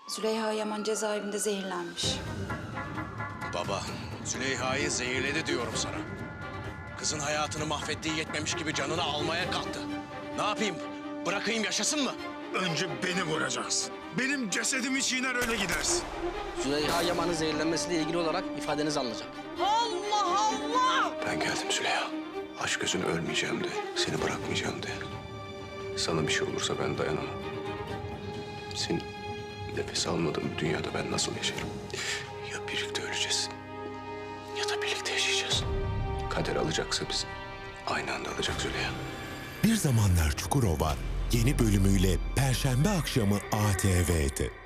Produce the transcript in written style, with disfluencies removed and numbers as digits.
Züleyha Yaman cezaevinde zehirlenmiş. Baba, Züleyha'yı zehirledi diyorum sana. Kızın hayatını mahvettiği yetmemiş gibi canını almaya kalktı. Ne yapayım? Bırakayım yaşasın mı? Önce beni vuracaksın. Benim cesedimi çiğner öyle gidersin. Züleyha Yaman'ın zehirlenmesiyle ilgili olarak ifadeniz alınacak. Ben geldim Züleyha. Aşk gözünü ölmeyeceğim de, seni bırakmayacağım de. Sana bir şey olursa ben dayanamam. Senin nefes almadığın bir dünyada ben nasıl yaşarım? Ya birlikte öleceğiz ya da birlikte yaşayacağız. Kader alacaksa biz aynı anda alacak Züleyha. Bir Zamanlar Çukurova yeni bölümüyle Perşembe akşamı ATV'de.